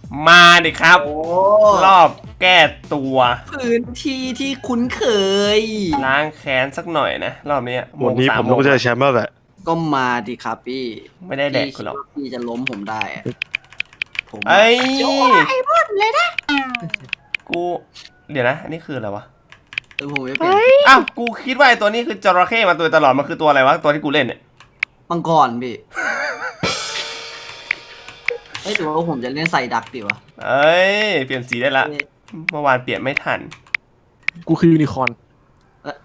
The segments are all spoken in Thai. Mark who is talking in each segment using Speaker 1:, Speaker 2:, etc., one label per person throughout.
Speaker 1: มาดิครับรอบแก้ตัว
Speaker 2: พื้นที่ที่คุ้นเคย
Speaker 1: ล้างแค้นสักหน่อยนะรอบนี้
Speaker 3: วันนี้ผมต้องเจอแชมป์แล้วแหละ
Speaker 2: ก็มาดิครับพี่
Speaker 1: ไม่ได้แดกกูหรอก
Speaker 2: พี่จะล้มผมได้อะผม
Speaker 1: ไอ้ย
Speaker 2: ไอ้บ้านเลยนะ
Speaker 1: กูเดี๋ยวนะอันนี้คืออะไรวะ
Speaker 2: ผมไม่เป็น
Speaker 1: อ้าวกูคิดว่าไอ้ตัวนี้คือจระเข้มาตัวตลอดมันคือตัวอะไรวะตัวที่กูเล่นเนี่ย
Speaker 2: มังกรพี่เฮ้ยหรือว่าผมจะเล่นใส่ดักดีวะ
Speaker 1: เอ้ยเปลี่ยนสีได้ละเมื่อวานเปลี่ยนไม่ทัน
Speaker 4: กูคือยูนิคอร์น
Speaker 2: เอ้อ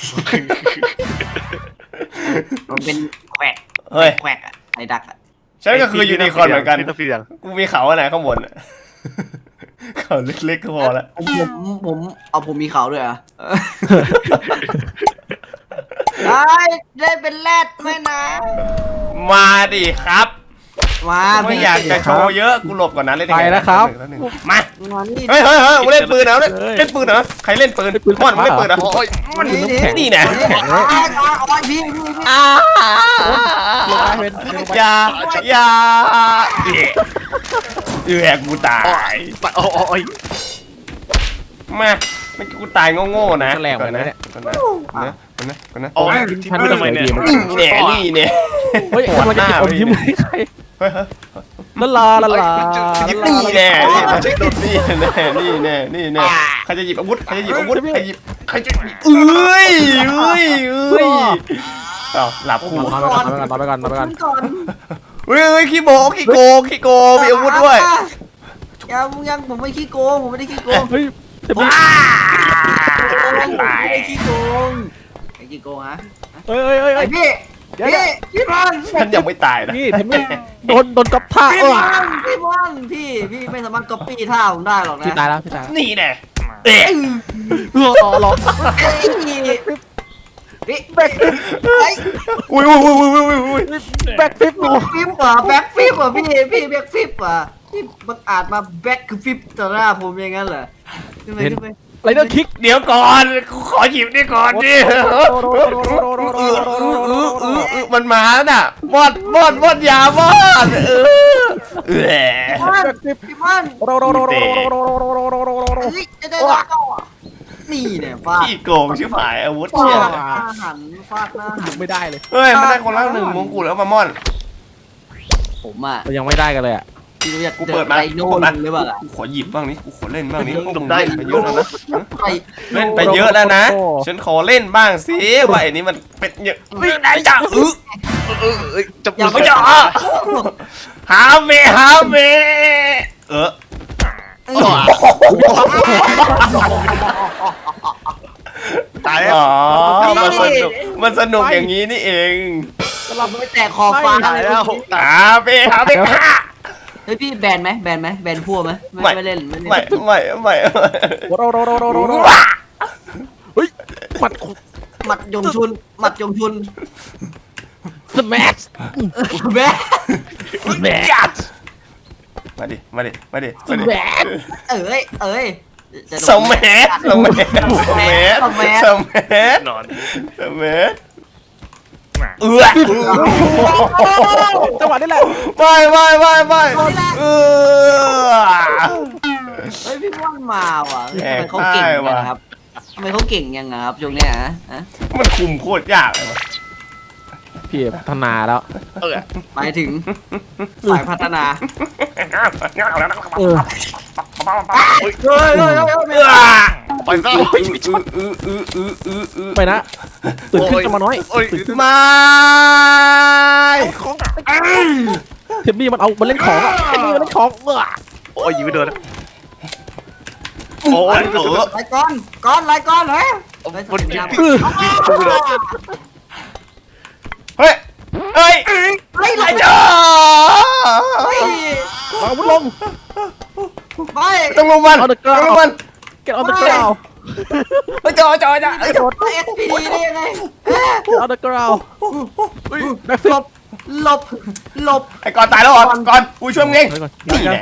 Speaker 2: มันเป็นแควก
Speaker 1: เฮ้ย
Speaker 2: แควกอะใส่ดักอะ
Speaker 1: ฉันก็คือยูนิคอร์นเหมือนกัน
Speaker 3: ที่ต้องเปลี่ยน
Speaker 1: กูมีเขาอะไรข้างบนอะ เขาเล็กๆก็พอละ
Speaker 2: ผมมีเขาด้วยเหรอ่ะได้เป็นแรดไหมนะ
Speaker 1: มาดิครับ
Speaker 2: มา
Speaker 1: ไม่อยากจะโชว์เยอะกูหลบก่อนนะเล่น
Speaker 4: ไปแล้วครับ
Speaker 1: มา
Speaker 2: มานี่
Speaker 1: เฮ้ยกูเล่นปืนเหรอเล่นปืนเหรอใครเล่นปืนม่อนมึงเล่นปืนเหรอ
Speaker 3: โอ้ย
Speaker 1: มันนี่แน่
Speaker 2: พี่
Speaker 1: อย่ากูตาย
Speaker 3: โอ้ย
Speaker 1: มาไม่กูตายโง่ๆนะ
Speaker 4: แรงเหมือนกันนะเนี่ย
Speaker 1: ก่อนนะ
Speaker 3: โอ้ย
Speaker 4: พัน
Speaker 3: ทำไมเนี่ย
Speaker 1: นี่เนี่ย
Speaker 4: เฮ้ยกำลังจะเก็บอมยิ้มให้ใคร
Speaker 1: เฮ้ย
Speaker 4: ละลาละลา
Speaker 1: นี่แน่นี่แน่ใครจะหยิบอาวุธใครจะหยิบอาวุธใครจะหยิบเอ้ยหลับคู่
Speaker 4: นอนไปก่อน
Speaker 1: เฮ้ยขี้โกงมีอาวุธด้วย
Speaker 2: ยังผมไม่ขี้โกงผมไม่ได้ขี้โกง
Speaker 4: เฮ้ยเทมมี่
Speaker 1: ตาย
Speaker 2: ไม่ได้ขี้โกงไอ้ขี้โกงฮะ
Speaker 4: เฮ้ย
Speaker 2: ไอ้พี่บอล
Speaker 1: ฉันยังไม่ตายนะ
Speaker 4: นี่เทมมี่โดนกับท่า
Speaker 2: พี่บอลพี่ไม่สามารถก๊อปปี้ท่าผมได้หรอกนะ
Speaker 4: พี่ตายแล้ว
Speaker 1: นี่แน่
Speaker 4: รอ
Speaker 2: พี่แบ็คฟิป
Speaker 1: อุ้ย
Speaker 4: แบ็คฟิปหนู
Speaker 2: พี่แบ็คฟิปพี่แบ็คฟิปพี่บังอาจมาแบ็คฟิปต่อหน้าผมอย่างนั้นเหรอขึ้นไป
Speaker 4: ไรเดอร์คิก
Speaker 1: เดี๋ยวก่อนกูขอหยิบนี่ก่อนดิมันมาน่ะมอดยามอด
Speaker 2: พี่มัน นี่เนี่ยฟาด
Speaker 1: ขี้โกงชิบหายอาวุธ
Speaker 2: ฟา
Speaker 1: เนี่ย
Speaker 2: ดหน้าหันฟาดหน้าหัน
Speaker 4: ไม่ได้เลย
Speaker 1: เฮ้ยมันได้คนละ1มงกุฎแล้วมาม่อน
Speaker 2: ผมอ่ะ
Speaker 4: เรายังไม่ได้กันเลยอ่ะ
Speaker 2: พี่รู้จัก
Speaker 1: กูเปิดมา
Speaker 2: ไดโน่หรือเปล่าล่ะ
Speaker 1: กูขอหยิบบ้างนี่กูขอเล่นบ้างนี่มึงได้ไปเยอะแล้วนะ
Speaker 2: ไอ้
Speaker 1: เล่นไปเยอะแล้วนะฉันขอเล่นบ้างสิว่าไอ้นี้มันเป็นเยอะไม่ได้จ้ะ
Speaker 3: จะ
Speaker 1: อย่าไปจ่อหาเม
Speaker 3: ตายแล้ว
Speaker 1: อ๋อมันสนุกอย่างนี้นี่เอง
Speaker 2: เราไม่แตกคอฟ้า
Speaker 3: ตายแล้ว
Speaker 1: หาเมค่ะ
Speaker 2: เฮ้ยพี่แบนไหมแบนพัวไหมไม่เล่น
Speaker 1: ไม่
Speaker 4: เฮ้ยหมัด
Speaker 2: หมัดยงชุน
Speaker 4: สแมช
Speaker 2: แบน
Speaker 1: มาดิ
Speaker 4: สแมช
Speaker 2: เอ้ย
Speaker 1: สมเมส
Speaker 3: นอน
Speaker 4: จังหวะนี้แหละ
Speaker 1: ไม่
Speaker 2: เฮ้ยพี่ว่านมาว่ะทำไมเขาเก่งยังครับทำไมเขาเก่งยังครับช่วงเนี้ยฮะ
Speaker 1: มันคุมโคตรยากเลยวะ
Speaker 4: พี่พัฒนาแล้ว
Speaker 2: หมายถึงสายพัฒนา
Speaker 4: เออ
Speaker 3: ไปซะ
Speaker 4: ไปนะตื่นขึ้นจะมาน้อยตื่นขึ้น
Speaker 1: ไม่
Speaker 4: เทมมี่มันเล่นของอ่ะเทมมี่มันเล่นของ
Speaker 3: โอ้ยยิงไม่โดนโอ้ย
Speaker 2: ไล่ก้อนเฮ้ย
Speaker 3: มันยิง
Speaker 1: เฮ้ย
Speaker 2: ไล่จ้า
Speaker 4: เอาวุธลง
Speaker 2: ไป
Speaker 1: ต้องลงมัน
Speaker 4: เอาเดอะกราว
Speaker 1: ต้องลงมัน
Speaker 4: get on the ground
Speaker 1: จอ
Speaker 2: SPD ได้ยังไง
Speaker 4: เอาเดอะกราวแบ็คฟิป
Speaker 2: หลบ
Speaker 1: ไอ้ก่อนตายแล้วก่อนกูช่วยมึงเองนี่แหละ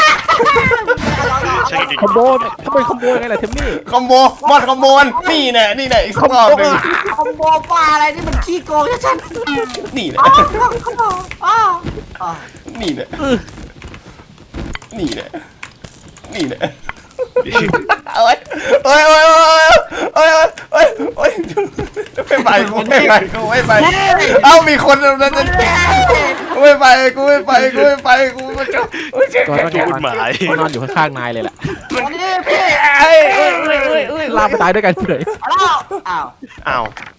Speaker 4: คอมโบทำไมคอมโบยังไงล่ะเทมมี่
Speaker 1: คอมโบมอดคอมโบนนี่แน่อีกสักรอบหนึ่ง
Speaker 2: คอมโบป้าอะไรนี่มันขี้โกงชัด
Speaker 1: นี่แหละ
Speaker 2: ๆ
Speaker 1: นี่แหละนี่แน่นี่แน่เอ้ยเอ้ยเอ้ยเอ้ยเอ้ยเอ้ยไม่ไปกูไม่ไปกูไม่ไปเอ้ามีคนนั้นจะกูไม่ไปกูไม่ไปกูไม่ไปกูไม่จะ
Speaker 4: ก็ต้อง
Speaker 3: จูดหมาย
Speaker 4: นอนอยู่ข้างๆนายเลยแหละ
Speaker 2: วันนี้พี่
Speaker 4: ลากไปตายด้วยกันเฉย
Speaker 2: แล้วอ้าว
Speaker 3: อ้าว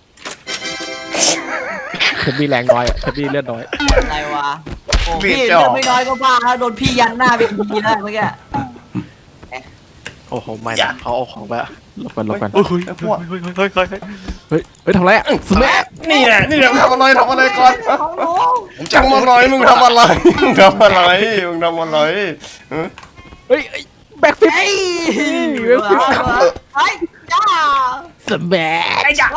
Speaker 4: ฉันมีแรงน้อยฉันมีเลือดน้อย
Speaker 2: อะไรวะโอ้พี่เลือดไม่น้อยก็บ้าแล้วโดนพี่ยันหน้าเป็นทีแล้วเมื่อกี้
Speaker 3: โอ้โหไม่นะเขาเอาของไป
Speaker 4: หลบกันหลบกัน
Speaker 3: เฮ้ยเฮ้ยเฮ้ยเฮ้ยเฮ้ย
Speaker 4: เฮ้ยทำไรอ่ะสแมัย
Speaker 1: นี่แหละนี่แหละทำอะไรก่อน
Speaker 2: ของหนู
Speaker 1: จังมาหน่อยมึงทำอะไรมึงทำอะไรมึงทำอะไร
Speaker 4: เฮ้ยแบ็คฟิป
Speaker 2: เฮ้ยไอ้จ้า
Speaker 4: สแมัย
Speaker 1: ไอ้จ้ะ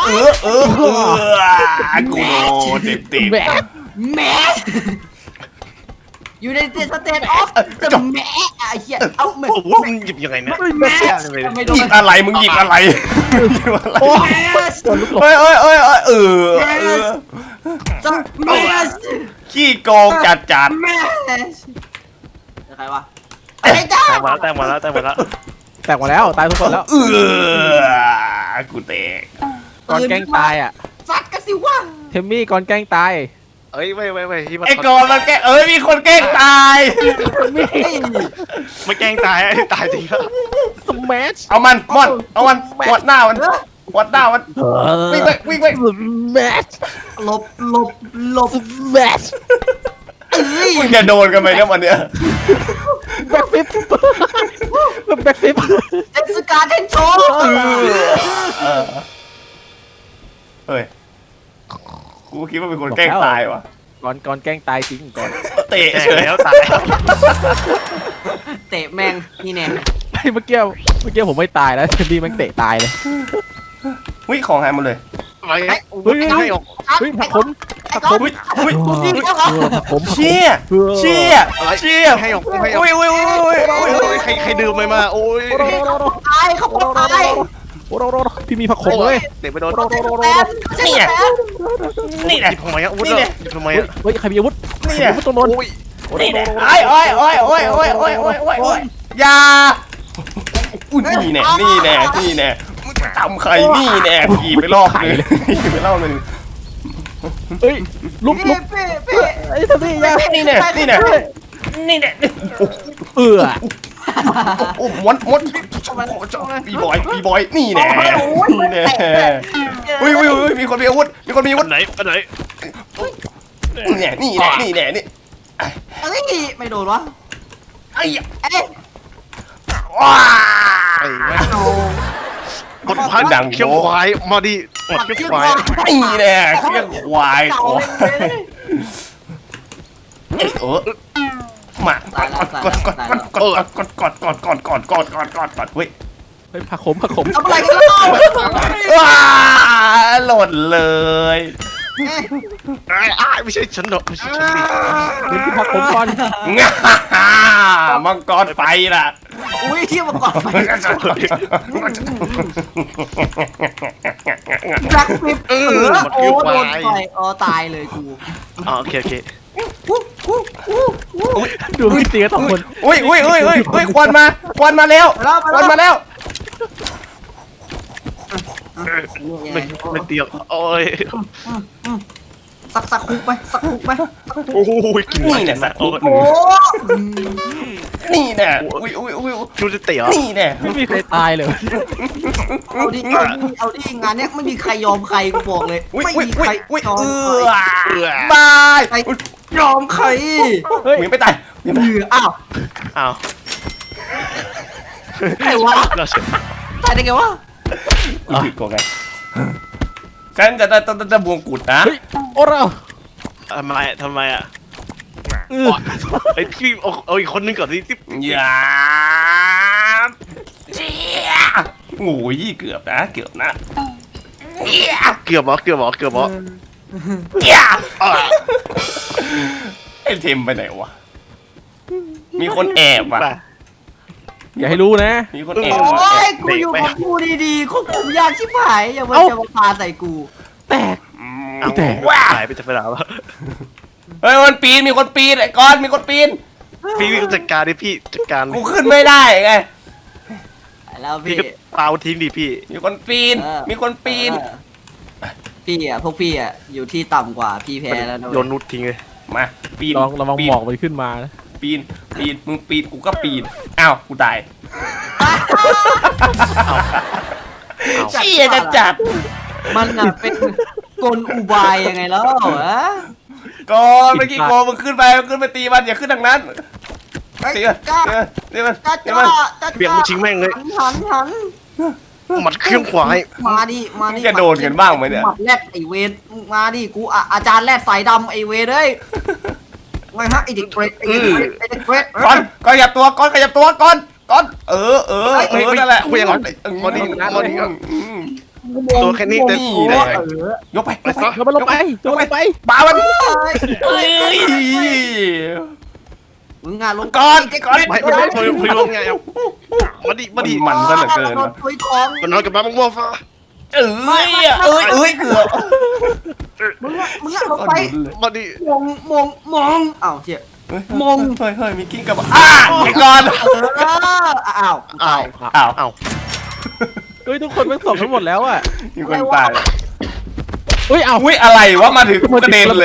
Speaker 1: กูโดนเต็ม
Speaker 4: แบ็ค
Speaker 2: แม่อยู่ในสเตทออฟจะแม่ไอ้เหี้ยเอาแม่
Speaker 3: โอ้โหมึงหยิบยังไงเนี่ย
Speaker 2: แม่ไม่โด
Speaker 1: หยิ
Speaker 2: น
Speaker 1: บอะไรมึงหยิบอะไร
Speaker 4: โอ้
Speaker 2: แม่
Speaker 4: โดนลูกหลง
Speaker 1: เอ้ย
Speaker 2: จะแม่
Speaker 1: ขี้โกงจัด
Speaker 2: แม่ใครวะไอ้จ้า
Speaker 3: แต่งมาแล้ว
Speaker 4: แตกหมดแล้วตายทุกคนแล้ว
Speaker 1: กูเตะ
Speaker 4: ก่อนแกล้งตายอ่ะ
Speaker 2: ซัดกันสิวะ
Speaker 4: เทมมี่ก่อนแกล้งตาย
Speaker 3: เอ้ยไม่ที่มัน
Speaker 1: ไอ้กอนมันแกมีคนแกล้งตาย
Speaker 3: ไม่แกล้งตายตายจริงแล้ว
Speaker 4: สแมัช
Speaker 1: เอามันมอนเอามันวัดหน้ามันวัดหน้ามันวิ่งไป
Speaker 4: สแมัช
Speaker 2: หลบ
Speaker 4: สแมัช
Speaker 1: มึงจะโดนกันไหมเนี่ยวันเนี้ย
Speaker 4: แบ็คฟิปแบ็คฟิป
Speaker 2: เทศกาลเทนโชว์
Speaker 1: เฮ้ยกูคิดว่าเป็นคนแกล้งตายวะ
Speaker 4: ก่อนแกล้งตายจริงก่อน
Speaker 1: เตะ
Speaker 3: แกล้
Speaker 1: เฉ
Speaker 3: ง
Speaker 1: ย
Speaker 3: แล้วตาย
Speaker 2: เตะแมงนี่แน่
Speaker 4: เมื่อกี้ผมไม่ตายแล้วเทมมี่มันเตะตายเลย
Speaker 1: วิ่งของหายหมดเลย
Speaker 3: ไม่ให้ออก
Speaker 4: เฮ้ยผักผม
Speaker 1: วิ่ง
Speaker 4: ผักผม
Speaker 1: เชี่ยเ
Speaker 3: ให้ออก ใครดื่มมาโอ้ย
Speaker 2: ตายเขาบอกตาย
Speaker 4: พี่มีผักขมเลย
Speaker 3: เตะไปโดน
Speaker 2: แฟนนี่แหละ
Speaker 1: นี่แหละ
Speaker 3: หยิบทำไมอ่ะวุ้นหยิบทำไมอ่ะ
Speaker 4: เฮ้ยใครมีอาวุธ
Speaker 1: นี่แหละ
Speaker 4: อาวุธตรงโน้น
Speaker 1: นี่แหละโอ้ยยาอุ้ยนี่แน่มึงทำใครนี่แน่ขี่ไปรอบนึง
Speaker 4: เฮ้ยลุก
Speaker 2: พี่
Speaker 4: ไอ้ทำนี่ยา
Speaker 1: นี่แน่
Speaker 4: เออ
Speaker 1: โอ้มดปีบอยนี่แน่อุ้ยมีคนมีอาวุธ
Speaker 3: ไหน
Speaker 1: นี่แน่
Speaker 2: เอ้ยไม่โดนวะ
Speaker 1: ไอ้
Speaker 2: เอ้ย
Speaker 1: ว้า
Speaker 3: ไอ้แม่กดพันดังเขี้ยวควายมาดิหมดเขี้ยวควาย
Speaker 1: นี่แน่เขี้ยวควายมากดเฮ้ย
Speaker 4: เฮ้ยผักขม
Speaker 2: ทำอะไรกันล่ะ
Speaker 1: ว้าหล่นเลย
Speaker 3: ไม่ใช่ฉันหรอกไม่ใช่ฉันดิ
Speaker 4: เฮ้ยผักขมก่อน
Speaker 1: มังกรไฟล่ะ
Speaker 2: อุ้ยเที่ยวมาก่อนไปแบล็คฟิปโอ้โดนไฟอ๋อตายเลยกู
Speaker 3: โอเค
Speaker 4: ดูพี่ตีกันสองคน
Speaker 1: อุ้ยควันมาแล้ว
Speaker 3: ไม่เตียงโอ้ย
Speaker 2: สักคุกไหม
Speaker 3: โอ้ยกิน
Speaker 1: นี่แน่สัตว์
Speaker 3: โอ้ย
Speaker 2: โอ้
Speaker 1: นี่แน่อุ้ย
Speaker 3: ดูจะเตะ
Speaker 1: นี่แน่
Speaker 4: ไม่มีใครตายเลย
Speaker 2: เอาดิงานเนี้ยไม่มีใครยอมใครกูบอกเลยไม่มีใครยอมใคร
Speaker 1: บาย
Speaker 2: ยอมใคร
Speaker 4: เฮ้ย
Speaker 1: มึงไม่ตาย
Speaker 2: อ้าว
Speaker 3: อ้าว
Speaker 2: ไอ้วะตายได้ไงวะ
Speaker 1: ผิดกว่าไงฉันจะบวงกุดนะ
Speaker 4: เฮ้ยโอ้เรา
Speaker 3: ทำไมอ่ะไอ้พี่เอาอีกคนนึงก่อนที่
Speaker 1: อย่าโอ้ยเกือบนะ
Speaker 3: เกือบเหรอ
Speaker 1: ไอ้เทมไปไหนวะมีคนแอบว่ะ
Speaker 4: อย่าให้รู้นะ
Speaker 1: มีคน
Speaker 2: โอ
Speaker 1: แอบว่ะ
Speaker 2: ้ยกูอยู่กับกูดีๆควบคุมยากชิบหายอย่ามาจะมาพาใส่กู
Speaker 4: แตก
Speaker 3: เอา
Speaker 1: ว้า
Speaker 3: หายไปจะไปไหนวะ
Speaker 1: เฮ้ยมันปีนมีคนปีนไอ้ก้อนมีคนปีน
Speaker 3: พี่จัดการดิพี่จัดการ
Speaker 1: กูขึ้นไม่ได้ไง
Speaker 2: แล้ว
Speaker 3: พี่
Speaker 2: พี่
Speaker 3: ก็เปล่าทิ้งดิพี่
Speaker 1: มีคนปีน มีคนปีน
Speaker 2: พี่พวกพี่อยู่ที่ต่ำกว่าพี่แพ้แล้วนะ
Speaker 3: โยนนุชทิ้งเลย
Speaker 1: มาปีน
Speaker 4: ลองระวัง
Speaker 1: ปีน
Speaker 4: หมอกมันขึ้นมานะ
Speaker 1: ปีนมึงปีนกูก็ปีนอ้าวกูตายเชี่ยจะจัด
Speaker 2: มันเป็นกลอุบายยังไงแล้วฮะ
Speaker 1: ก่อนเมื่อกี้โกมึงขึ้นไปตีมันอย่าขึ้นทางนั้นตีมันตีมัน
Speaker 2: จ้า
Speaker 1: ตีมัน
Speaker 3: เปลี่ยนมันทิ้งแม่งเลย
Speaker 2: หัน
Speaker 3: หมัดเครื่องควาย
Speaker 2: มาดิมาดิ
Speaker 1: จะโดนกันบ้างไหมเนี่ย
Speaker 2: หมัดแรดไอเวนมาดิกูอาจารย์แรดสายดำไอเวนเลยไงฮะไอเด็กเกรดไอเด็กเกรดไอเด็กเกรด
Speaker 1: ก่อนขยับตัวก่อนเออนั่นแหละ
Speaker 3: คุยยังไงมาดิตัวแค่นี้แต่
Speaker 1: ยกไป
Speaker 3: ไปซะ
Speaker 4: โยนมันลงไปโยนมันลงไป
Speaker 1: ปามันเอ้ย
Speaker 2: มึงงานลง
Speaker 1: ก่อน
Speaker 3: ไม่คุยลงไงเอามาดิ
Speaker 1: มันซะเหลือเกิน
Speaker 2: คุยของ
Speaker 3: มันนอนกับบ้าม่วงฟ้า
Speaker 1: เอ้ยเกือบ
Speaker 2: มึงลงไป
Speaker 3: มาดิ
Speaker 2: มองอ้าวเจี๊ย
Speaker 1: เฮ้ยมีกิ้งกับไอ้ก่อน
Speaker 2: อ้าว
Speaker 3: อ้าว
Speaker 4: เฮ้ยทุกคนมันส่งทั้งหมดแล้วอ่ะ
Speaker 1: มีคนตาย
Speaker 4: เฮ้ยเอา
Speaker 1: อุ้ยอะไรวะมาถึงกระเด็นเลย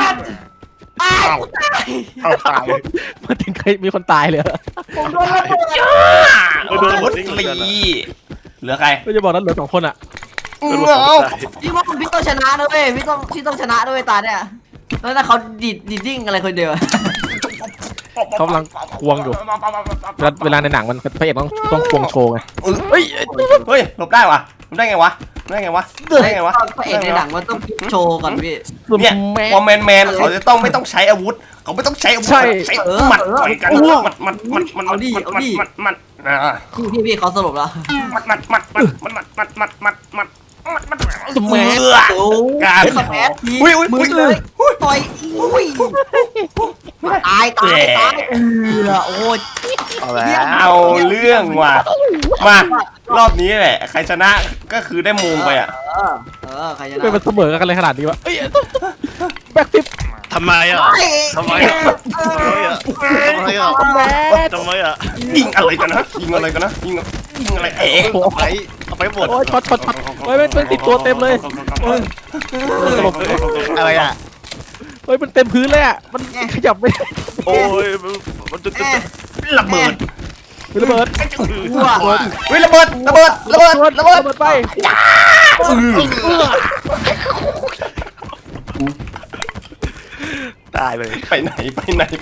Speaker 3: เอาตาย
Speaker 4: มาถึงใครมีคนตายเลย
Speaker 2: ผมโดนระเบิด
Speaker 1: โดนรถตีเหลือใคร
Speaker 4: ไม่จะบอกนั้นเหลือ2 คนอ่ะ
Speaker 2: พี่ว่าพี่ต้องชนะนะเว้ยพี่ต้องชนะด้วยตาเนี่ยแล้วถ้าเขาดิดดิ้งอะไรคนเดียว
Speaker 4: เขากำลังควงอยู่เวลาในหนังมันพระเอกต้องควงโชว์ไง
Speaker 1: เฮ้ยหลบได้วะหลบได้ไงวะได้ไงวะ
Speaker 2: พระเอกในหนังมันต้องโชว์ก่อนพี่
Speaker 1: เนี่ยพอแมนเขาจะต้องไม่ต้องใช้อาวุธเขาไม่ต้องใช้อาวุธใช้หมัดต่อยกันมัน
Speaker 2: พี่เขาสรุปแล้ว
Speaker 1: การ
Speaker 2: สแมสมือเลยต่อยตายโอ้ย
Speaker 1: เอาเรื่องว่ะมารอบนี้แหละใครชนะก็คือได้มุมไปอ่ะ
Speaker 2: ใครชนะ
Speaker 4: เป็นมันเสมอกันเลยขนาดนี้วะแบ็คฟิป
Speaker 3: ทำไมอ่ะทำไมอ่ะ
Speaker 1: ยิงอะไรกันนะยิงอะไรเอาไปหมด
Speaker 4: โอ้ยช็อตเฮ้ยมันติดตัวเต็มเลย
Speaker 3: อะไรอ่ะ
Speaker 4: เฮ้ยมันเต็มพื้นเลยอ่ะมันขยับไม่
Speaker 3: โอ้ยมันจะ
Speaker 1: ระเบิด
Speaker 4: ระเบิด
Speaker 1: ระเบิด
Speaker 4: ไป
Speaker 3: ตายเลย
Speaker 1: ไปไหน
Speaker 2: ไป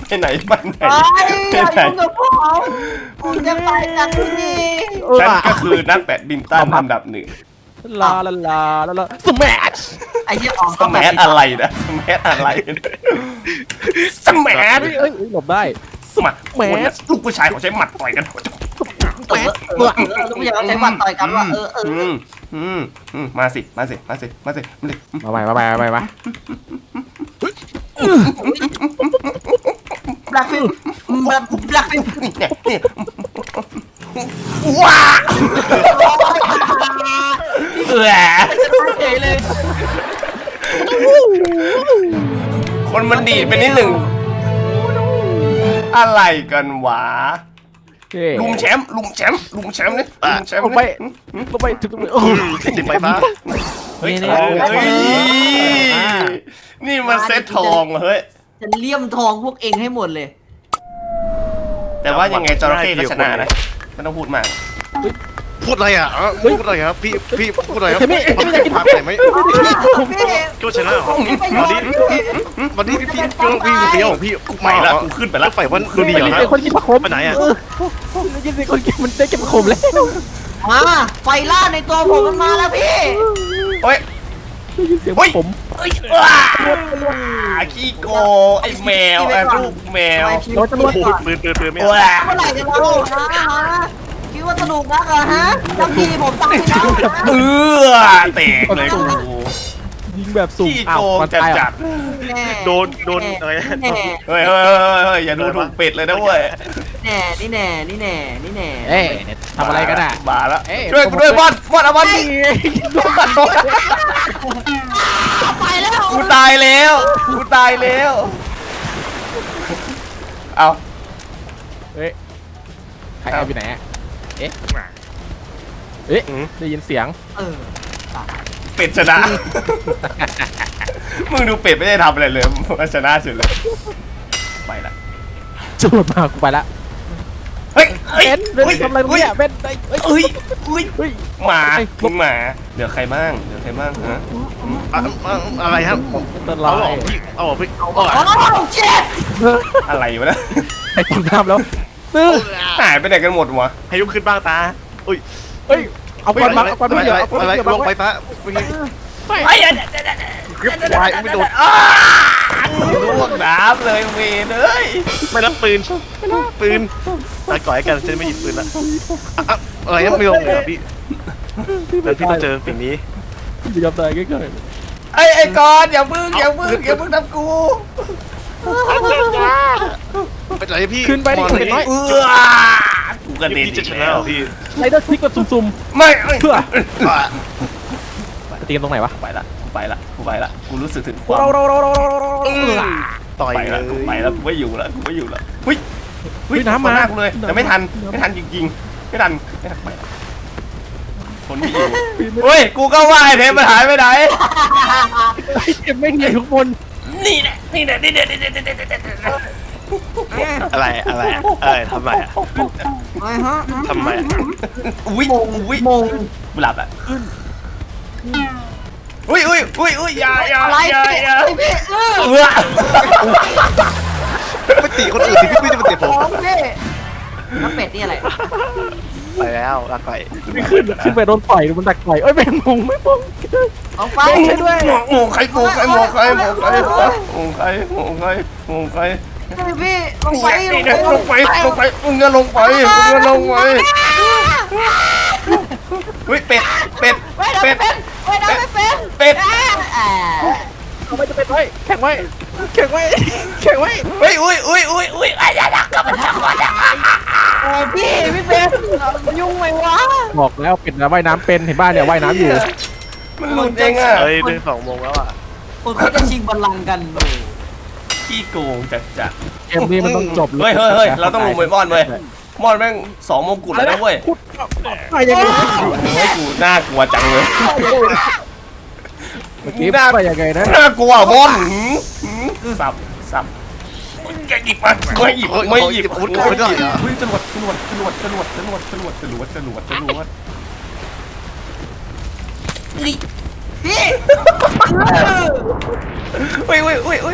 Speaker 2: กับผมจะไปจากที่นี่
Speaker 1: ฉันก็คือนักแบดมินตันอันดับ 1
Speaker 4: ลาสแมช
Speaker 2: ไอ้ที่ออก
Speaker 1: สแมทอะไรนะสแมทอะไรสแมท
Speaker 4: เอ้ยหลบได้
Speaker 1: สมัครลูกผู้ชายเขาใช้หมัดต่อยกัน
Speaker 2: ลูกอยากใช้บัตรต่อยกันว่า
Speaker 1: มาสิมา
Speaker 2: แบล็คฟิป
Speaker 1: ว้า
Speaker 2: เลย
Speaker 1: คนมันดีดไปนิดหนึ่งอะไรกันวะลุงแชมป์นี่ลุงแชมป์
Speaker 4: ลงไปถึงตรงนี้
Speaker 3: ติดไฟฟ้า
Speaker 1: เฮ้ยนี่มันเซตทองเฮ้ย
Speaker 2: จะเลี่ยมทองพวกเองให้หมดเลย
Speaker 1: แต่ว่ายังไงจระเข้ก็ชนะนะไม่ต้องพูดมาก
Speaker 3: พูดอะไรอ่ะพูดอะไรครับพี่พูดอะไรครับพาไปไหมก็ชนะวันนี้พี่เดียวพี่
Speaker 1: ไม่ละกูขึ้นไปแล้ว
Speaker 3: ไฟวันดูดีเหรอ
Speaker 4: ไอ้คนกินผักขม
Speaker 3: ไปไหนอ่ะ
Speaker 4: ยินดีคนกินมันได้เก็บผักขมแล้ว
Speaker 2: มาไฟล่าในตัวผมมันมาแล้วพี่
Speaker 1: เฮ้ย
Speaker 4: ได้ยินเสียงผม
Speaker 1: ขี้โกไอ้แมวไอ้ลูกแมว
Speaker 3: โอ้โหปืนไม่
Speaker 2: เมื่อไหร่จะเราคิดว่าสนุกนักเหรอฮะจำพี่ผมตั้งให้แล้ว
Speaker 1: แตกเลยกู
Speaker 4: ยิงแบบสุ่ม
Speaker 1: ขี้โกงจัด
Speaker 3: โดนอะไร
Speaker 1: เฮ้ยอย่าดูถูกเป็ดเลยนะเว้ย
Speaker 2: นี่แน่
Speaker 4: เอ๊ะทำอะไรกันอ่ะ
Speaker 1: มาแล้วช่วยกูด้วยบอลเอาบอล
Speaker 2: ไปแล้ว
Speaker 1: กูตายแล้วเอา
Speaker 4: เฮ้ยใครแอบอยู่ไหนอะเอ๊ะได้ยินเสียง
Speaker 2: เออ
Speaker 1: เป็ดชนะ มึงดูเป็ดไม่ได้ทำอะไรเลยมันชนะสุดเลยไปละ
Speaker 4: จรวดมากูไปละ
Speaker 1: เฮ้ยเฮ้ย
Speaker 4: เบนทำอะไรตรงเนี้ยเบน
Speaker 1: เฮ้ยเฮ้ย
Speaker 4: เฮ้ย
Speaker 1: หมามึงหมาเหลือใครบ้างฮะ
Speaker 3: อะไรครับ
Speaker 4: ต้น
Speaker 3: เอา
Speaker 4: ลา
Speaker 3: ออย กพี่เอาออกพี่เอาออก
Speaker 2: โอ้เจ็ด
Speaker 1: อะไรวะนะ
Speaker 4: ไอ้ตกน้ำแล้วตื้อ
Speaker 1: หายไปไหนกันหมดวะ
Speaker 3: ให้ลุกขึ้นบ้างตาอุ้ย
Speaker 4: เฮ้ยเอาก้อนมาเอาก้อนมาเดี๋ยวเอาก้อน
Speaker 3: อะไร
Speaker 4: มาเดี๋ยว
Speaker 3: ลงไป
Speaker 4: ไป
Speaker 3: ซะ
Speaker 1: ไอ้ยัน
Speaker 3: วายไม่โดน
Speaker 1: ลวกน้ำเลยเวรเอ้ย
Speaker 3: ไม่รับปืนตาก่อยกันจะไม่หยิบปืนละอะไรยังไม่ลงเลยพี่แล้วพี่ต้องเจอสิ่งนี้
Speaker 4: พี่ยอมตายใกล้
Speaker 1: ไอ้กอนอย่าพึ่งทำกู
Speaker 3: ไปไหนพี่
Speaker 4: ๆขึ้นไปดิเห็นไหม
Speaker 1: กูกระเด็น
Speaker 3: พี่จะชนะเหรอพี่
Speaker 4: ไรเดอร์พลิกแบบซุ่ม
Speaker 1: ไม่
Speaker 4: ๆเพื่อตีกันตรงไหนวะ
Speaker 1: ไปละกูรู้สึกถึงค
Speaker 4: เรา
Speaker 1: วาม
Speaker 3: ต่อย
Speaker 1: ไป
Speaker 3: เล
Speaker 1: ละ
Speaker 3: ย
Speaker 1: กูไม่อยู่ละเฮ้ย
Speaker 4: เฮ้ยน้ำมา
Speaker 1: หน้ากูเลยแต่ไม่ทันจริงๆไม่ทันไปละคนไม่อยู่เฮ้ยกูก็ว่าไอ้เทปมันหายไปไหน
Speaker 4: เก็บไม่ดีทุกคน
Speaker 1: นี่แหละ
Speaker 3: อะไรทำไมอ่ะ
Speaker 2: อะไรฮะ
Speaker 3: ทำไม
Speaker 1: อุ้ย
Speaker 2: มง
Speaker 1: กูหลับอ่ะอุ้ยอย่า
Speaker 2: อะไรพี่เออ
Speaker 3: ไปตีคนอื่นสิพี่จะมาตีผม
Speaker 2: ของพี่น้ำเป็ดนี่อะไร
Speaker 3: ไปแล้วลาก่อย
Speaker 4: ไม่ขึ้นไปโดนต่อยมันดักต่อยเอ้ยเป็นมงไม่มง
Speaker 2: เอาไป
Speaker 1: ใช่ด้วยหมูใครมึงเงินลงไปลงไปเฮ้ยเป็ด
Speaker 2: ไม่ได้เป็น
Speaker 4: เอาไว้จะเป็นไว้แข่งไว้
Speaker 1: เฮ้ยอุ้ยไอ้ยักษ์กลับมาทำอะไร
Speaker 2: พี่เป็นยุ่งไหมวะ
Speaker 4: บอกแล้วเป็นนะว่ายน้ำเป็นเห็นบ้านเนี่ยว่ายน้ำอยู่
Speaker 1: มันหลุดเองอ่ะ
Speaker 3: เฮ้ยเดิน2 โมงแล้วอ่ะ
Speaker 2: คนเขาจะชิงบัลลังก์กัน
Speaker 1: ขี้โกงจัด
Speaker 4: เกมนี้มันต้องจบ
Speaker 1: เฮ้ยเราต้องลงไปม่อนเว้ยม่อนแม่ง2 มงกุฎแล้วนะเว้ย
Speaker 4: ไปยังไง
Speaker 1: เฮ้ยกูน่ากลัวจังเลย
Speaker 4: เมื่อกี้ไปยังไงนะ
Speaker 1: น่ากลัวม่อนสับอย่าหยิบมาไม่หยิบไม่หยิบจรวด
Speaker 2: พี่
Speaker 1: เฮ้ย
Speaker 2: ไป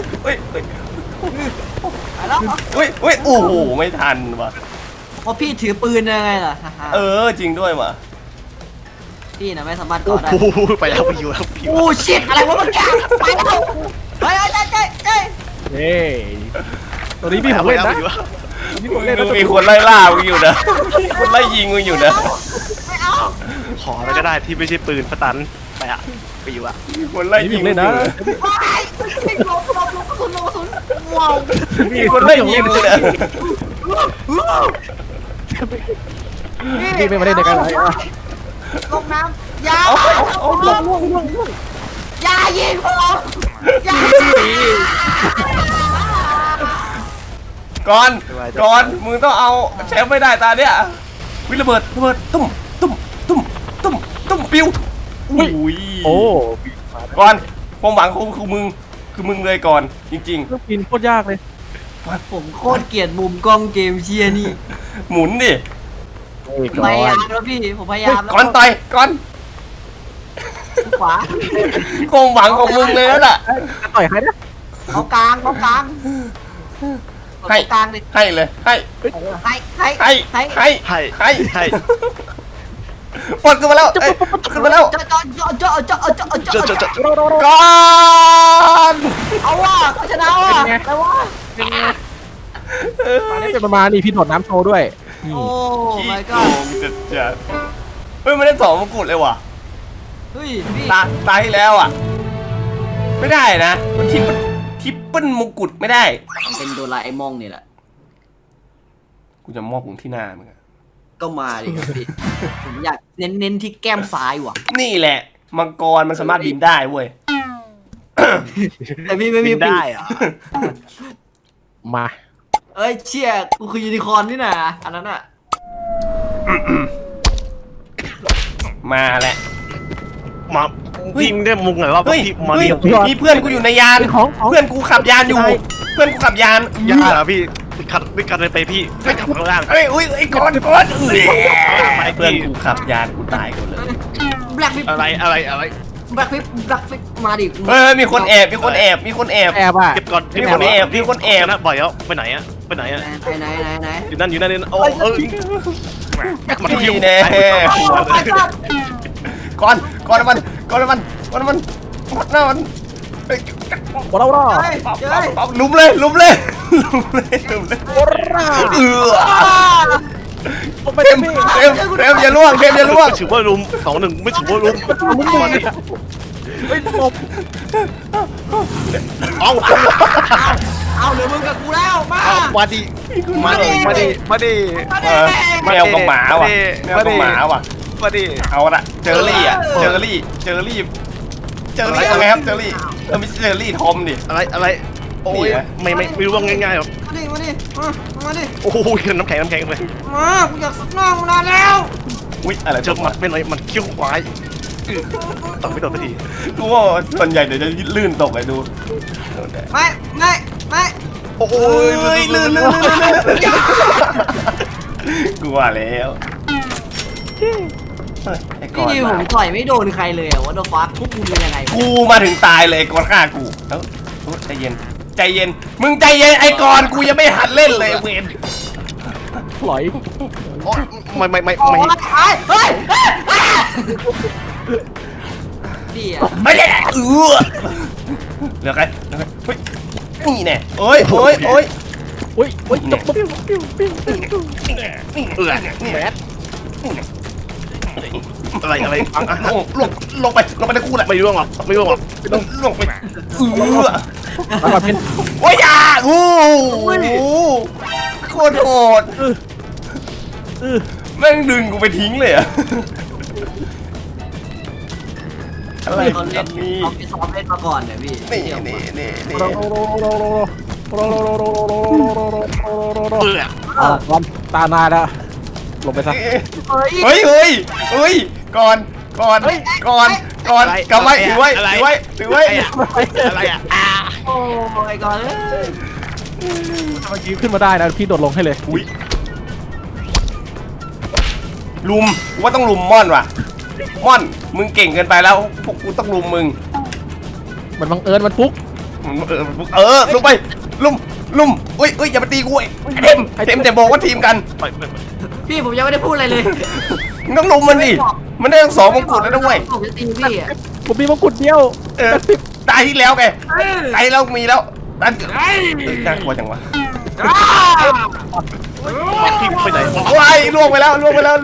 Speaker 2: แล้ว
Speaker 1: โอ้โหไม่ทันว่ะ
Speaker 2: เพราะพี่ถือปืนยังไงล่ะ
Speaker 1: จริงด้วยว่ะ
Speaker 2: พี่นะไม่สามารถก่อได้
Speaker 3: โอ้โหไปแล้วไปอยู่แล้วพี่
Speaker 2: โอ้ชิตอะไรวะมันยไปแล้วเฮ้ย
Speaker 4: เฮ้ยตัวนี้พี่ผมเล่นนะนี่ผมเล่นนะ
Speaker 1: มีคนไล่ล่ามึงอยู่นะคนไล่ยิงมึงอยู่นะ
Speaker 2: ไม่เอา
Speaker 3: ขออะไรก็ได้ที่ไม่ใช่ปืนสตันไปอ่ะไปอยู่อ่ะ
Speaker 1: มีคนไล่ยิง
Speaker 4: เล่นนะ
Speaker 2: ไม่ลงกระสุนว้าว
Speaker 1: มีคนไล่ยิงมึงนะ
Speaker 4: พี่ไม่มาเล่นในกันเลย
Speaker 2: ลงน้ำยาอย่ายิงผมอย่า
Speaker 1: ก่อนมึงต้องเอาแชมป์ไม่ได้ตาเนี้ยวิระเบิดตุ้มปิ้วอุ้ย
Speaker 4: โอ้
Speaker 1: ก่อนความหวังคือมึงเลยก่อนจริง
Speaker 4: เครื่องบินโคตรยากเลย
Speaker 2: ผมโคตรเกลียดมุมกล้องเกมเชียร์นี่
Speaker 1: ๆหมุนดิ
Speaker 2: พยายามแล้วพี่ผมพยายามแล้ว
Speaker 1: ก่อนต่อยก่อน
Speaker 2: ขวา
Speaker 1: ความหวังของมึงเลยนั่นแหละ
Speaker 4: ต่อยใครนะ
Speaker 2: เอากลางดิ
Speaker 1: ให้เลยให้
Speaker 3: ให้
Speaker 1: ปลดขึ้นมาแล้วขึ้นมาแล้ว
Speaker 2: เจาะ
Speaker 1: ก่อน
Speaker 2: เอาว่ะเขาชนะว่ะแต่ว่า
Speaker 4: ตอนนี้เป็นประมาณนี่พี่โดดน้ำโชว์ด้วย
Speaker 2: โอ้
Speaker 1: ขี้
Speaker 2: my
Speaker 1: โก
Speaker 2: god
Speaker 1: งจัดเฮ้ยไม่ได้2 มงกุฎเลยว่ะ
Speaker 2: เฮ้ยพี่
Speaker 1: ตายที่แล้วอ่ะไม่ได้นะมันทิปเปิลมงกุฎไม่ได้
Speaker 2: เป็นโดราเอมอนนี่แหละ
Speaker 1: กูจะมอบมึงที่หน้ามึงอะ
Speaker 2: ก็มาดิครับพี่ผมอยากเน้นที่แก้มซ้ายว่ะ
Speaker 1: นี่แหละมังกรมันสามารถบินได้เว้ย
Speaker 2: แต่พี่ไม่มี
Speaker 3: ได้อ่ะ
Speaker 4: มา
Speaker 2: เอ้ยเชี่ยกูคือยูนิคอร์นนี่นะอันนั้นอ่ะ
Speaker 1: มาแหละ
Speaker 3: มาพี่ไม่ได้มุงไงว่า
Speaker 1: เฮ้ย
Speaker 3: พี่มา
Speaker 1: เฮ้ย
Speaker 3: เรียก
Speaker 1: มีเพื่อนกูอยู่ในยาน เพื่อนกูขับยานอยู่ เพื่อนกูขับยาน
Speaker 3: ยาพี่ขัดไม่กันเลยไปพี่ไม่ขับข้างล่าง
Speaker 1: เฮ้ยอุ้ยไอ้ก้อนเพื่อนกูขับยานกูตายกูเลย
Speaker 2: แบล็คฟิป
Speaker 3: อะไร
Speaker 2: แบล็คฟิปมาดิ
Speaker 1: เฮ้ยมีคนแอบมีคนแอบมีคนแอบ
Speaker 4: แอบอ่ะ
Speaker 3: เก็บก่อน
Speaker 1: มีคนแอบมีคนแอบ
Speaker 3: นะบ่อยแล้วไปไหนอะไปไหนอะ
Speaker 2: ไหน
Speaker 3: อยู่นั่นโอ้มัน
Speaker 1: นี่แน่ก้อนก้อนมันก้อนมันก้อนมันหน้ามัน
Speaker 4: โอ้เรา
Speaker 1: ลุมเลยลุมเลยลุมเลย
Speaker 4: โอ้เรา
Speaker 1: เต็มอย่าล่วงเต็มอย่าล่วง
Speaker 3: ถือว่าลุม2-1ไม่ถือว่าลุม
Speaker 4: ไม่ตบ
Speaker 3: เอา
Speaker 2: เอาเหลือมึงกับกูแล้วมา
Speaker 3: มาดิมาดิ
Speaker 1: แมวกับหมาว่ะแมวกับหมาว่ะ
Speaker 3: มาดิ
Speaker 1: เอาละเจอรี่อ่ะเจอรี่อะไรครับเจอรี่ไม่ใช่เจอรี่ทอมดิ
Speaker 3: อะไรโอ้ยไม่รู้ว่าง่ายๆหรอก
Speaker 2: มาดิ
Speaker 3: โอ้ยน้ำแข็งเลย
Speaker 2: มากูอยากสักหน้ามึงนานแล้ว
Speaker 1: อุ้ยอะไร
Speaker 3: เจ
Speaker 1: จ
Speaker 3: อบ มั
Speaker 1: มา
Speaker 3: ดไม่เลยมันเขี้ยวควายต้องไม่โดนสักที
Speaker 1: กูว่าส่วนใหญ่เดี๋ยวจะลื่นตกเลยดู
Speaker 2: ไม่
Speaker 3: โอ้ย
Speaker 1: ลื่นกูว่าแล้วไอ้ก้
Speaker 2: พี่
Speaker 1: อน
Speaker 2: ดิวผมต่อยไม่โดนใครเลยอะว่าโดนฟักทุบกูเป็นยังไง
Speaker 1: กูมาถึงตายเลยก้อนฆ่ากูแล้วใจเย็นใจเย็นมึงใจเย็นไอ้ก้อนกูยังไม่หัดเล่นเลยเวน
Speaker 4: หลอย
Speaker 3: ไม่
Speaker 2: เฮ้ยพี่อะ
Speaker 1: ไม่ได้เหลือใครเฮ้ยนี่แน่โอ้ย
Speaker 4: อุ้ยตบ
Speaker 1: แมส
Speaker 3: อะไรฟังอ่ะ
Speaker 1: ลงไปในกูแหละ
Speaker 3: ไม่ร่วงหรอก
Speaker 1: ลงไป
Speaker 4: มาเป็น
Speaker 1: โอ้ยอ่ะโอ้โคตรโหดแม่งดึงกูไปทิ้งเลยอะอะไร
Speaker 2: เขาเล่น
Speaker 1: นี่
Speaker 2: เขาไปซ้อมเล่นมาก่อนเนี่ยพี่
Speaker 4: วันตานาแล้วลงไปซะ
Speaker 1: เฮ้ยก่อนกลับไว้ถือไว้
Speaker 3: อะไรอ่ะ
Speaker 2: โอ้ยก่อนเลย
Speaker 4: เมื่อกี้ขึ้นมาได้นะพี่โดดลงให้เลย
Speaker 1: อุ้ยลุมว่าต้องลุมม่อนว่ะม่อนมึงเก่งเกินไปแล้วพวกกูต้องลุมมึง
Speaker 4: มันบังเอิญมันฟุก
Speaker 1: ลงไปลุมอุ้ยอย่ามาตีกูเต็มแต่บอกว่าทีมกัน
Speaker 2: พี่ผมยังไม่ได้พูดอะไรเลย
Speaker 1: ต้องลุมมันดิมันได้ทั้ง2 มงกุฎแล้วด้วย
Speaker 2: ผมจะตีพี่อะ
Speaker 4: ผมมีมงกุฎเดียว
Speaker 1: ตายที่แล้วไงตายแล้วมีแล้วนั่นน่ากลัวจังวะ
Speaker 3: พี่ไปไหน
Speaker 1: ว้ายล่วงไปแล้ว
Speaker 3: เตะก้า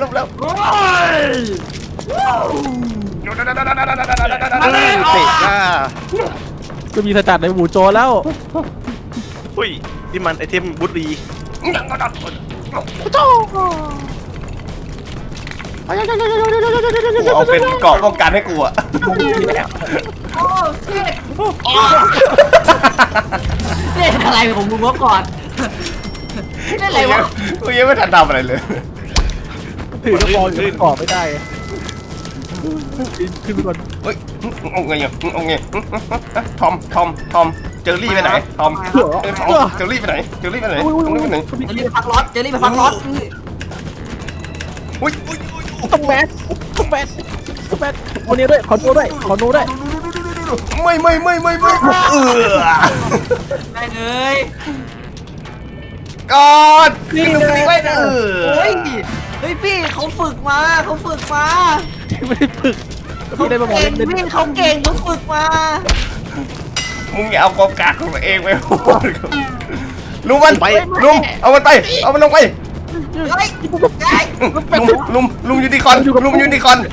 Speaker 4: จะมีสจัดในหมู่โจแล้ว
Speaker 3: อุ้ยที่มันไอเทมบุรี
Speaker 1: เอาเป็นเกาะป้องกันให้กูอะ
Speaker 2: โอ้เล่นอะไรของมึงวะก่อนเล่นอะไรวะ
Speaker 1: กูยังไม่ทันทำอะไรเลย
Speaker 4: ถือกระบอกอยู่กรอบไม่ได้ขึ้นไปก่อน
Speaker 1: เฮ้ยเอาไงทอมเจอรี่ไปไหนทอมเจอรี่ไปไหนตรงนี้ไปไหน
Speaker 2: เจลี่ไปพักรถ
Speaker 1: อุ้ย
Speaker 4: ต้องแบทคนนี้ด้วยขอโน้ด้วย
Speaker 1: ไม่
Speaker 2: ได้เลย
Speaker 1: ก่อนขึ้นตรงนี้ไว้
Speaker 2: เฮ้ยพี่เขาฝึกมา
Speaker 4: ไม่ได้ฝึกพี่ได้มาบอก
Speaker 2: เก่ง
Speaker 4: เล่น
Speaker 2: พี่เขาเก่งเขาฝึกมา
Speaker 1: มึงอย่าเอาความกากของตัวเองไปพูดลุมมันไปลุมเอามันไปเอามันลงไป
Speaker 2: เฮ้ย
Speaker 1: ลุมยูนิคอนยูนิคอน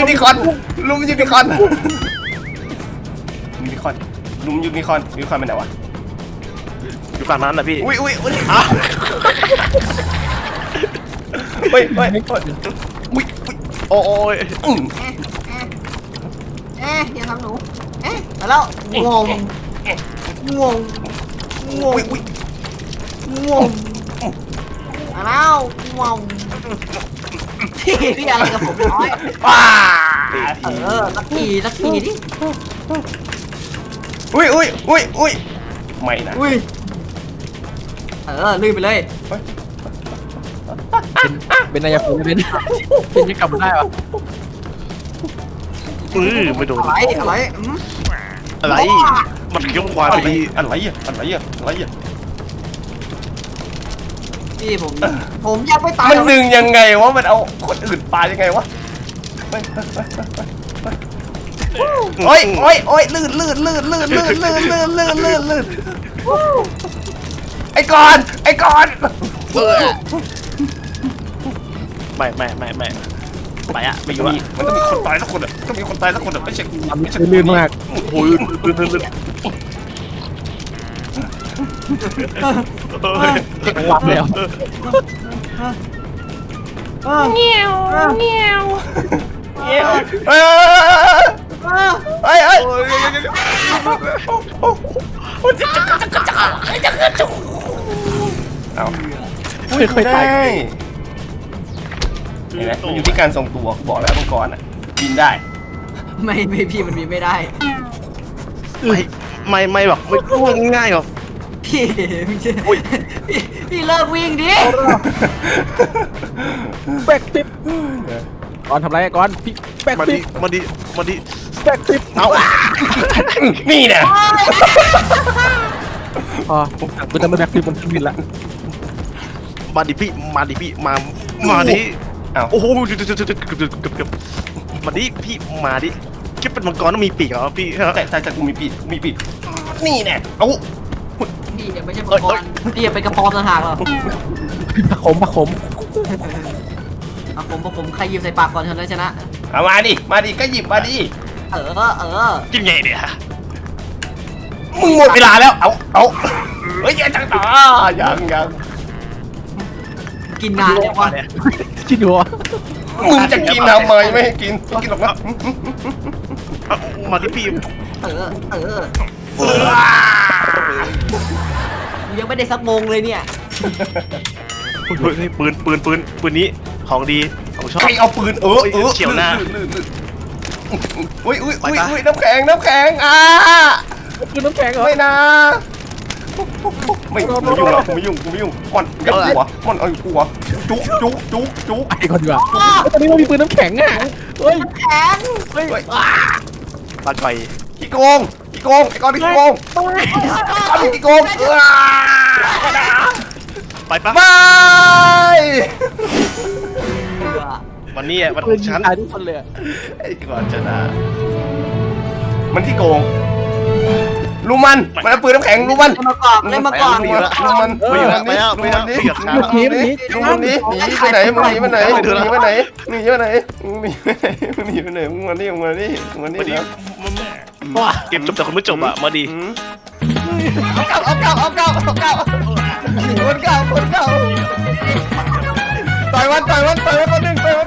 Speaker 1: ไปไหนวะ
Speaker 3: อยู่ฝั่งนั้นนะพี่
Speaker 1: อุ้ยเฮ้ย
Speaker 3: โอ้ย
Speaker 2: อย่าทำหนูมาแล้วงงง่วงอ้าวง่วงพี่อะไรกับผมน้อย
Speaker 1: ว้า
Speaker 2: สักทีดิ
Speaker 1: อุ้ยไม่นะ
Speaker 2: อุ้ยลื่นไปเลย
Speaker 4: เป็นนายภูมิเป็นยังกลับมาได้ปะ
Speaker 3: ไม่โดน
Speaker 2: อะไร
Speaker 3: อะไรมันเคี้ยวควาย
Speaker 1: อะไร
Speaker 3: ไปดี
Speaker 1: อะไรอ่ะ
Speaker 2: พี่ผมยังไม่ตาย
Speaker 1: มันดึงยังไงวะมันเอาคนอื่นปายังไงวะโอ้ยลื่นไอ้ก่อน
Speaker 3: ไม่ไปอ่ะไม่อยู่อ่ะ
Speaker 1: มันต้องมีคนตายสักคนอ่ะต้องมีคนตายสักคนอ่ะไม่ใช่
Speaker 4: ลื่นมาก
Speaker 3: โอ้ยลื่น
Speaker 4: วับแล้ว
Speaker 2: เงี้ยว
Speaker 1: เฮ้ยเอา
Speaker 4: ไม่เคยตาย
Speaker 1: เห็นไหมมันอยู่ที่การทรงตัวบอกแล้วมังกรอ่ะบินได้
Speaker 2: ไม่พี่มันมีไม่ได้
Speaker 3: ไม่แบบไม่ร่วงง่ายหรอก
Speaker 2: พี่เลิกวิ่งดิ
Speaker 4: แบกฟิปก่อนทำไรก่อนพี่แบก
Speaker 3: มา
Speaker 4: ฟิ
Speaker 3: ดิ
Speaker 4: ป
Speaker 3: มาดิ
Speaker 4: แบกฟิป
Speaker 3: เอา
Speaker 1: นี่เนี่ย
Speaker 4: อ๋อมันจะไม่แบกฟิปมันขึ้นบินละ
Speaker 3: มาดิพี่มาดิโอ้โหเกือบมาดิพี่มาดิคิดเป็นมังกรต้องมีปีกเหรอพี่
Speaker 1: แต่กูมีปีกนี่เนี่ยเอา
Speaker 2: พี่อย่าไม่ใช่มังกรพี่อย่าเป็นกระปอมต่างหากหรอ
Speaker 4: ผะขม
Speaker 2: ผมใครหยิบใส่ปากก่อนชนะ
Speaker 1: เอามาดิก็หยิบมาดิ
Speaker 3: กินไงเนี่ย
Speaker 1: มึงหมดเวลาแล้วเอาเฮ้ยจังต่อยัง
Speaker 2: กินนานแล้ววะ
Speaker 4: คิดดูว่า
Speaker 1: มึงจะกินทำไมไม่ให้กินหรอกนะ
Speaker 3: มาดิพี่
Speaker 2: ยังไม่ได้สักโมงเลยเนี่ย
Speaker 3: ปืนนี้ของดีของชอบ
Speaker 1: ใครเอาปืน
Speaker 3: เฉียวหน้า
Speaker 1: อุ้ยน้ำแข็ง
Speaker 4: คือน้ำแข็งเหรอ
Speaker 1: ไม่นะไม่ยุ่งหรอกกูไม่ยุ่งมันอย่าหัวมันเอาหัวจุ๊
Speaker 4: ไอ้คนดีกว่าตอนนี้มันมีปืนน้ำแข็งอ่ะเฮ้ย
Speaker 2: แข็ง
Speaker 3: ปลาไก่
Speaker 1: ขี้โกงไอ้ก้อนขี้โกง
Speaker 3: ไปปะ
Speaker 1: บาย
Speaker 3: วันนี้วัน
Speaker 4: ปื
Speaker 3: ข
Speaker 4: น
Speaker 3: องฉัน
Speaker 4: ตายทุกคนเลย
Speaker 1: ไอ้ก่อนชนะมันขี้โกงรู้มันเอาปืนน้ำแข็งรู้มัน
Speaker 2: เล่นมาก่อน
Speaker 1: รู้มันนี่หนีไปไหนมึงหนีไปไหน
Speaker 3: เกมจบแต่คนไม่จบอ่ะมาดี
Speaker 1: เอาเก่าคนเก่าต่อยวันคนหนึ่ง